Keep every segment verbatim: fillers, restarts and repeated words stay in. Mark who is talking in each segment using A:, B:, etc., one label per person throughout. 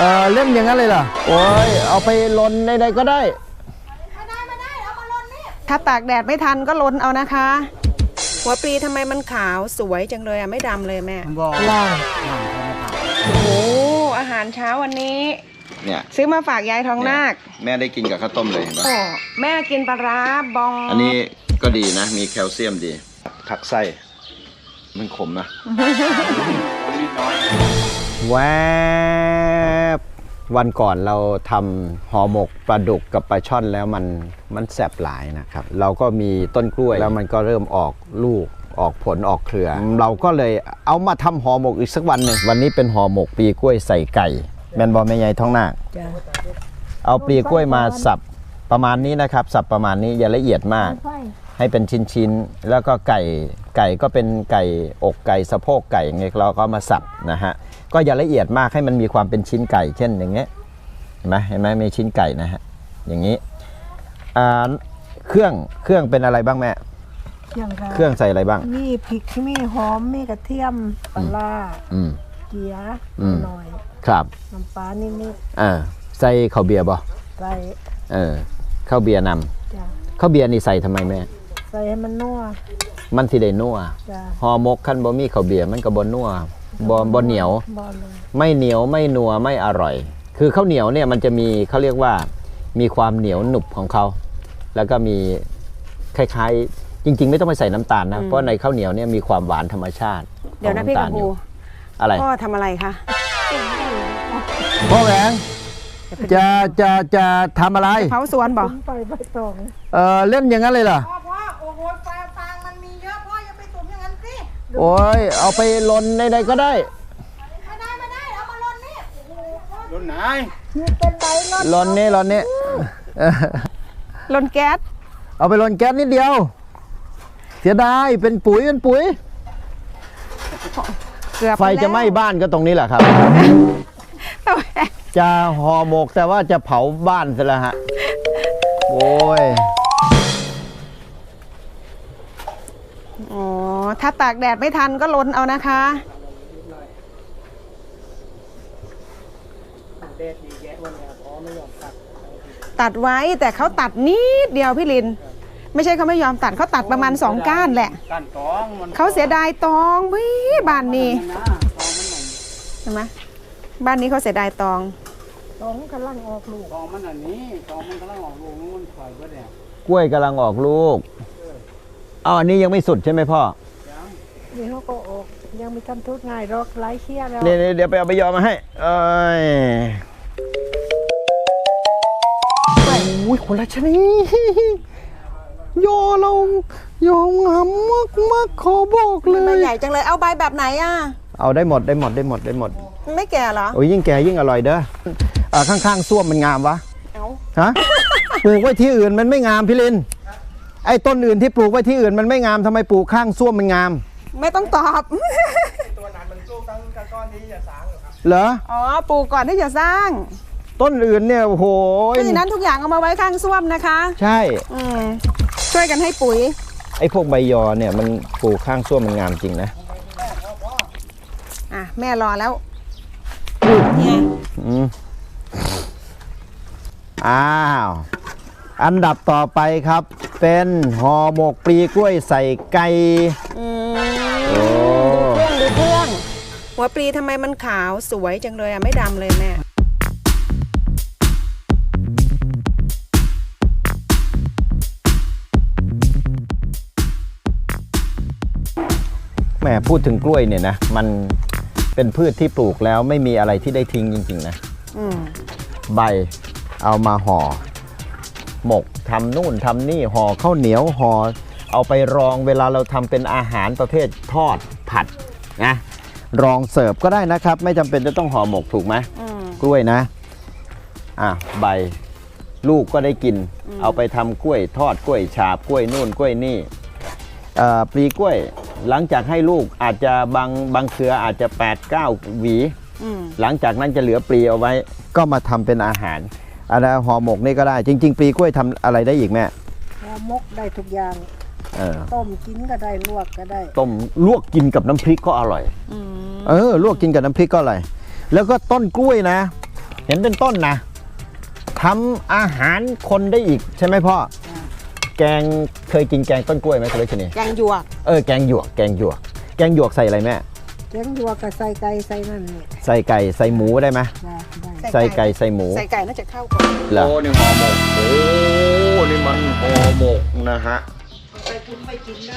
A: ออเล่นอย่างนั้นเลยเหรอโอ้ยเอาไปลนใดๆก็ได้
B: ไม่ได้ไม่ได้เอามาลนนี่
C: ถ้าตากแดดไม่ทันก็ลนเอานะคะหัวปลีทำไมมันขาวสวยจังเลยอ่ะไม่ดำเลยแม่ล่างโอ้โหอาหารเช้าวันนี้
A: เนี่ย
C: ซื้อมาฝากยายทองนาค
A: แม่ได้กินกับข้าวต้มเลยเห็นปะ
C: โอ้แม่กินปลาร้าบอง
A: อันนี้ก็ดีนะมีแคลเซียมดีผักไส้มันขมนะแวบวันก่อนเราทำห่อหมกปลาดุกกับปลาช่อนแล้วมันมันแสบหลายนะครับเราก็มีต้นกล้วยแล้วมันก็เริ่มออกลูกออกผลออกเครือเราก็เลยเอามาทำห่อหมกอีกสักวันหนึ่งวันนี้เป็นห่อหมกปลีกล้วยใส่ไก่แมนบอลแม่ใหญ่ท้องนาคเอาปลีกล้วยมาสับประมาณนี้นะครับสับประมาณนี้อย่าละเอียดมากให้เป็นชิ้นๆแล้วก็ไก่ไก่ก็เป็นไก่อกไก่สะโพกไก่อย่างเงี้ยเราก็มาสับนะฮะก็อย่าละเอียดมากให้มันมีความเป็นชิ้นไก่เช่นอย่างเงี้ยเห็นไหมเห็นไหมมีชิ้นไก่นะฮะอย่างนี้อ่าเครื่องเครื่องเป็นอะไรบ้างแม่เครื่องใส่อะไรบ้าง
B: มีพริกมีหอมมีกระเทียมปลาล่าเกี๊ยหน่อย
A: ครับ
B: น้ำปลานิดนิด
A: เออใส่ข้าวเบียร์บ่
B: ใส่
A: เออข้าวเบียร์นำข้าวเบียร์นี่ใส่ทำไมแม่
B: ใส่ให้มันนัว
A: มันสิได้นัวห่อหมกขั้นบ่มีข้าวเบียร์มันก็บ่นัวบ่บ่เหนียวไม่เหนียวไม่นัวไม่อร่อยคือข้าวเหนียวเนี่ยมันจะมีเขาเรียกว่ามีความเหนียวหนุบของเขาแล้วก็มีคล้ายๆจริงๆไม่ต้องไปใส่น้ำตาลนะเพราะในข้าวเหนียวเนี่ยมีความหวานธรรมชาติ
C: เดี๋ยวนะพี่กัมพู
A: อะไร
C: พ่อทำอะไรคะ
A: พ่อแหวงจะจะจะทำอะไร
C: เผาสวนบอก
B: ไปใบตอง
A: เออเล่นอย่างนั้นเลยเหรอ
B: พ่อพ่อโอ้โหฟางฟางมันมีเยอะพ่ออย่าไปตุ่มอย่างนั้นสิ
A: โอ้ยเอาไปลนใดๆก็ได้
B: ไม่ได้ไม่ได้เอามาลนนี่
A: ลนไหน
B: นี่เป็นใบลน
A: ลนนี่ลนนี่
C: ลนแก๊ส
A: เอาไปลนแก๊สนิดเดียวเสียดายเป็นปุ๋ยเป็นปุ๋ยไฟจะไหม้บ้านก็ตรงนี้แหละครับจะห่อหมกแต่ว่าจะเผาบ้านซะแล้วฮะโอ้ย
C: อ๋อถ้าตากแดดไม่ทันก็ลนเอานะคะตัดไว้แต่เขาตัดนิดเดียวพี่ลินไม่ใช่เขาไม่ยอมตัดเขาตัดประมาณสองก้านแหละเขาเสียดายตองพี่บ้านนี้ใช่ไหมบ้านนี้เขาเสียดายตอง
B: ตองกำลังออกลูก
D: ตองมันอันนี้ตองมันกำลังออกลูกมันถอยเบิดเนี่ย
A: กล้วยกำลังออกลูกเอาอันนี้ยังไม่สุดใช่ไหมพ่อ
B: นี่เขาก็ออกยังมีการทุกง่ายรอกไร้เคี้ยแล้ว
A: เดี๋ยวเดี๋ยวไปเอาไปยอมมาให้เอ้ยโอ้ยคนละชนิดโยเราโยงามมากมากขอบอกเลย
C: ใบใหญ่จังเลยเอาใบแบบไหนอ่ะ
A: เอาได้หมดได้หมดได้หมดได้หมด
C: ไม่แก่เหรอ
A: โอ้ยยิ่งแก่ยิ่งอร่อยเด้อข้างๆส้วมมันงามวะ
C: เอา
A: ฮะปลูกไว้ที่อื่นมันไม่งามพี่ลินไอ้ต้นอื่นที่ปลูกไว้ที่อื่นมันไม่งามทำไมปลูกข้างส้วมมันงาม
C: ไม่ต้องตอบ
D: ตัวนั้นมันสู้ตั้งก้อนที่จะสร้างเหรอครับ
A: เหรอ
C: อ๋อปลูกก่อนที่จะสร้าง
A: ต้นอื่นเนี่ยโอ้โห
C: เพราะฉะนั้นทุกอย่างเอามาไว้ข้างส้วมนะคะ
A: ใช่
C: ช่วยกันให้ปุ๋ย
A: ไอ้พวกใบยอเนี่ยมันปลูกข้างส้วมมันงามจริงนะ
C: อ่ะแม่รอแล้วเนี่ย
A: อ้าวอันดับต่อไปครับเป็นห่อหมกปลีกล้วยใส่ไก่
C: ดูเครื่องดูเครื่องหัวปลีทำไมมันขาวสวยจังเลยอ่ะไม่ดำเลยแม่
A: แม่พูดถึงกล้วยเนี่ยนะมันเป็นพืชที่ปลูกแล้วไม่มีอะไรที่ได้ทิ้งจริงๆนะใบเอามาห่อหมกทำนู่นทำนี่ห่อข้าวเหนียวห่อเอาไปรองเวลาเราทำเป็นอาหารประเภททอดผัดนะรองเสิร์ฟก็ได้นะครับไม่จำเป็นจะต้องห่อหมกถูกไหมกล้วยนะอ่ะใบลูกก็ได้กินเอาไปทำกล้วยทอดกล้วยฉาบกล้วยนู่นกล้วยนี่ปลีกล้วยหลังจากให้ลูกอาจจะบางบางเครืออาจจะ แปดเก้า หวีหลังจากนั้นจะเหลือปลีเอาไว้ก็มาทำเป็นอาหารอะไรห่อหมกนี่ก็ได้จริงๆปลีกล้วยทำอะไรได้อีกแม่
B: ห่อหมกได้ทุกอย่างต้มกินก็ได้ลวกก็ได้
A: ต้มลวกกินกับน้ำพริกก็อร่อยเออลวกกินกับน้ำพริกก็อร่อยแล้วก็ต้นกล้วยนะเห็นเป็นต้นนะทำอาหารคนได้อีกใช่ไหมพ่อแกงเคยกินแกงต้นกล้วยไหมคุณเลชนี
C: แกงหยวก
A: เออแกงหยวกแกงหยวกแกงหยวกใส่อะไรแม่
B: แกงยัวกับใส่ไก่ใส่นั่นนี่
A: ใส่ไก่ใส่หมูได้ไหม
B: ได้ได้
A: ใส่ไก่ใส่หมู
C: ใส่ไก่น่าจะเข้ากัน
A: เหรอโอ้นี่ห่อหมกโอ้นี่มันห่อหมกนะฮะ
B: ไปกินไปกินเด้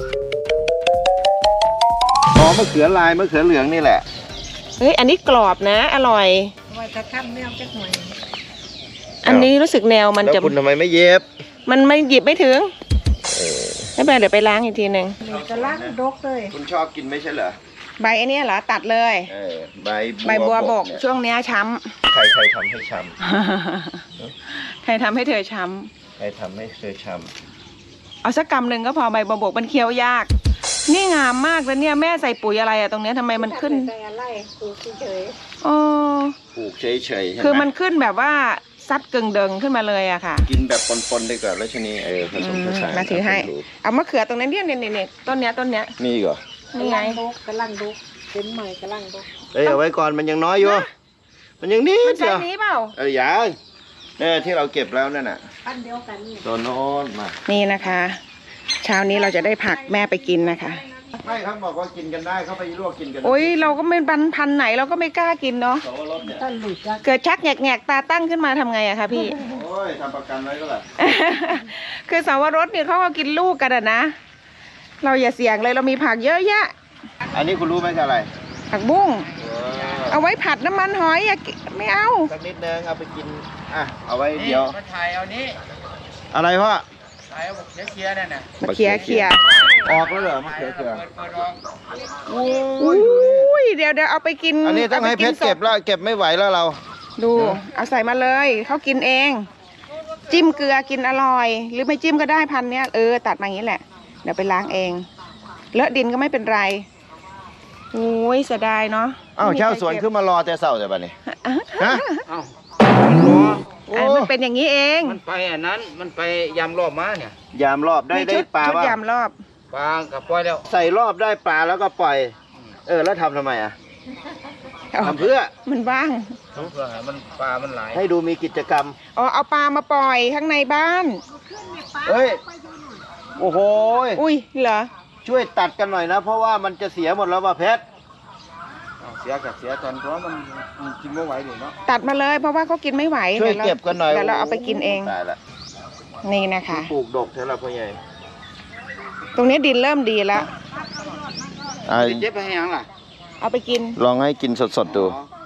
B: อ
A: ห่อมะเขือลายมะเขือเหลืองนี่แหละ
C: เฮ้ยอันนี้กรอบนะ อร่อย
B: ไว้จะข้ามแนวจักหน่อย
C: อันนี้รู้สึกแนวมัน
A: แล้ว
C: จะ
A: คุณทำไมไม่เย็บ
C: มันไม่หยิบไม่ถึงไม่เป็นไรเดี๋ยวไปล้างอีกทีหนึ่ง
B: นี่จะล้างดกเลย
A: คุณชอบกินไม่ใช่เหรอ
C: ใบไอ้นี่เหรอตัดเลย
A: เออใบ
C: ใบบัวบก
A: เนี่ย
C: ช่วงเนี้ยช้
A: ใครใครทำให้ช้
C: ำ ใครทำให้เธอช้
A: ำใครทำให้เธอช้
C: ำเอาสักกำหนึ่งก็พอใบบัวบกมันเคี้ยวยาก นี่งามมากแล้วเนี่ยแม่ใส่ปุ๋ยอะไรอะตรงเนี้ยทำไมมันขึ้น
B: ใส่อะไรปลูกเฉย
C: อ๋อ
A: ำปลูกเฉยๆใช่ไหม
C: คือมันขึ้นแบบว่าซัดเกิงเดิงขึ้นมาเลยอะค่ะ
A: กินแบบปนๆดีกว่าแล้วชนีเออผสมผสาน
C: มาถือให้ เอามะเขือตรงนั้นเนี่ยเนี่ยเนี่ยต้นเนี้ยต้นเนี้ย
A: นี่เหรอ
C: นี่ไง
B: ดกกำลังดกเป็นใหม่กำลังดก
A: เอ้ยเอาไว้ก่อนมันยังน้อยอยู่ มันยังนิ
C: มัน
A: ด
C: ใช่
A: เดียว
C: นี้เปล่า
A: เออยังเนี่ยที่เราเก็บแล้วนั่นน่ะ
B: อันเดียวกันนี่
A: ตัวโน้นมา
C: นี่นะคะ เช้านี้เราจะได้ผักแม่ไปกินนะคะ
A: ไม่ครับบอกว่ากินกันได้เขาไปลวกกินกัน
C: โอ้ยเราก็ไม่บันพันธุ์ไหนเราก็ไม่กล้ากินเนาะ
A: สวรสเนี่ย
B: ท่านหลุดจัก
C: เกิดชักแงกๆตาตั้งขึ้นมาทำไงอะคะพี่
A: โอ้ยทำประกันไว้ก็แหละ
C: คือสาวรสเนี่ยเขาก็กินลูกกันอะนะ เราอย่าเสี่ยงเลยเรามีผักเยอะแยะ
A: อันนี้คุณรู้ไหมคืออะไร
C: ผักบุ้ง
A: เออ
C: เอาไว้ผัดน้ำมันหอยอย่ากิไม่เอา
A: สักนิดนึงเอาไปกินอ่ะเอาไว้เดี๋ยว
D: มาถ่ายเอานี้
A: อะไรพ่อ
D: ถ่ายเอาบอกเคลียร์ๆนั่นน่ะ
C: มาเคลียร์เคลียร์
A: ออกแล้วเหรอมะเขือเขือ
D: เปิดเปิดออก
C: อุ้ยเดี๋ยวเดี๋ยวเอาไปกิน
A: อันนี้ต้องให้เพชรเก็บแล้วเก็บไม่ไหวแล้วเรา
C: ดู เอาใส่มาเลยเขากินเอง จิ้มเกลือกินอร่อย หรือไม่จิ้มก็ได้พันเนี้ยเออตัดมาอย่างนี้แหละ เดี๋ยวไปล้างเอง เลอะดินก็ไม่เป็นไรโอ้ยเสียดายเนาะ
A: อ้าว
C: ไม่มี
A: ชาว
C: ใคร
A: สวน
C: เก็บ
A: ขึ้นมารอแต่เสาร์แต่บัดนี้ฮะ
D: เอ้า
A: โอ้
C: อ่ะมันเป็นอย่างนี้เอง
D: มันไปอันนั้นมันไปยำรอบมาเนี่ย
A: ยามรอบได้
C: มี
A: ได้
C: ชุด
A: ปลา
C: ชุด
A: บ้าง
C: ยำรอบ
D: ปลากับปล่อยแล้ว
A: ใส่รอบได้ปลาแล้วก็ปล่อย เออแล้วทำทำไมอ่ะทำเพื่อ
C: มันว่าง
D: เพื่อให้มันปลามันหลาย
A: ให้ดูมีกิจกรรม
C: อ๋อเอาปลามาปล่อยข้างในบ้าน
A: เฮ้ยโอ้โห
C: อุ้ยเหรอ
A: ช่วยตัดกันหน่อยนะ เพราะว่ามันจะเสียหมดแล้วว่ะเพชร
D: เอาเสียกับเสียตอนเพราะมันมันกินไม่ไหวเลยเนาะ
C: ตัดมาเลยเพราะว่าเขากินไม่ไหว
A: ช่วย
C: ดี๋รา
A: เก็บกันหน่อย
C: เดี๋ยวเราเอาไปกินเอง
A: ตายละ
C: นี่นะคะ
A: ปลูกดกเท่าไหร่พ่อใหญ่
C: ตรงนี้ดินเริ่มดีแล้ว
A: อ่ะ
D: เจ็บไปให้ยังล่ะ
C: เอาไปกิน
A: ลองให้กินสดๆดู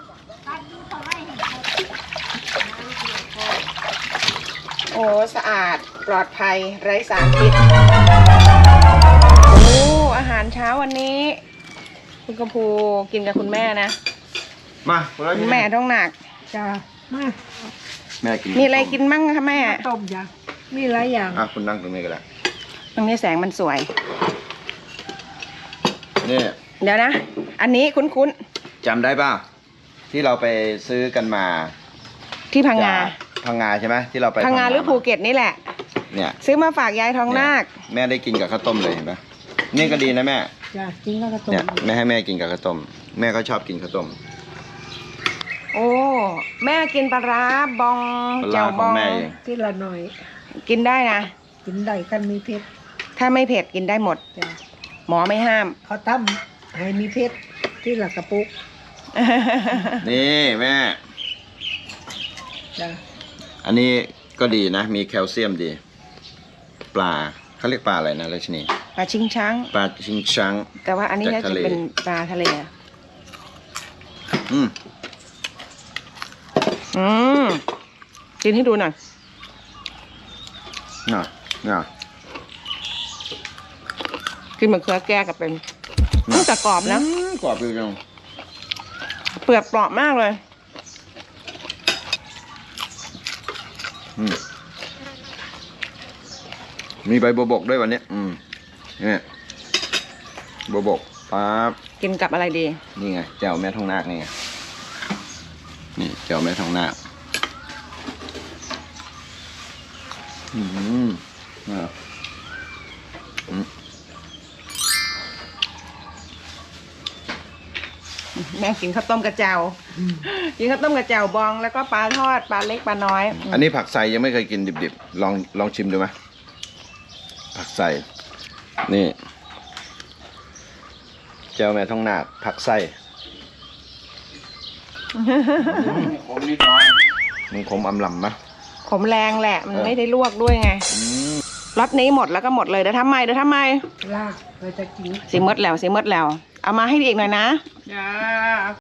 C: โอ้สะอาดปลอดภัยไร้สารพิษโอ้อาหารเช้าวันนี้ คุณกระพูกินกับคุณแม่นะ
A: มาแล้ว
C: คุณแม่ท้องหนัก
B: จ้ามา
A: แม่กิน
C: มีอะไรกินบ้างคะแม่
B: ต้มยามีหลายอย่าง
A: อ่ะคุณนั่งตรงนี้ก็ได้
C: ตรงนี้แสงมันสวย
A: นี่
C: เดี๋ยวนะ อันนี้คุ้น
A: จำได้ป่ะที่เราไปซื้อกันมา
C: ๆที่พังงา
A: จากพังงาใช่ไหมที่เราไป
C: พังงาหรือภูเก็ตนี่แหละ
A: เนี่ย
C: ซื้อมาฝากยายทองนาค
A: แม่ได้กินกับข้าวต้มเลยเห็นปะนี่ก็ดีนะแม่
B: จ้ากินแล้วก็ต้ม
A: เนี่ยแม่ให้แม่กินกับข้าวต้ม แม่ก็ชอบกินข้าวต้ม
C: โอ้ แม่กินปลาร้าบอง
A: ปลา
C: เจ้า
A: ร้า
C: บ
A: ของ
C: อง
A: แม่เอง
B: ทีละหน่อย
C: กินได้นะ
B: กินได้กันมีเพชร
C: ถ้าไม่เผ็ดกินได้หมด
B: จ้า
C: หมอไม่ห้าม
B: เขาทำให้มีเพชรที่ละกระปุก
A: นี่แม่
B: จ้า
A: อันนี้ก็ดีนะ มีแคลเซียมดี ปลาเขาเรียกปลาอะไรนะราชนี
C: ปลาชิงช้าง
A: ปลาชิงชัง
C: แต่ว่าอันนี้
A: จาก
C: น่า
A: ทะ
C: จะ
A: เล
C: เป็นปลาทะเลอะ
A: อืม
C: อืมกินให้ดูหน่อย
A: น่ะน่ะ
C: กินเหมือนเครือแก้กับเป็นตั้งแต่กรอบนะ
A: อืมกรอบอยู่จัง
C: เปลือกกรอบมากเลย
A: อืมมีใบบัวบกด้วยวันนี้ อืมนี่บัวบกปั๊บ
C: กินกับอะไรดี
A: นี่ไงแจ่วแม่ทองนาคนี่ไงนี่แจ่วแม่ทองนาคอืมอ่าอืม
C: แม่กินข้าวต้มกระเจ้ากินข้าวต้มกระเจ้าบองแล้วก็ปลาทอดปลาเล็กปลาน้อย
A: อันนี้ผักไทรยังไม่เคยกินดิบๆ ลองลองชิมดูไหมผักไทรนี่เจ้าแม่ท้องนาคผักไทร
D: ผมนิดน้อย
A: มันขมอำลำนะ
C: ขมแรงแหละมัน
A: เออ
C: ไม่ได้ลวกด้วยไงรสนี้หมดแล้วก็หมดเลยเดี๋ยวทำไมเดี๋ยวทำไม
B: ลากเราจะกิน
C: สีมดแล้วสีมดแล้ว เอามาให้อีกหน่อยนะ
D: จ้า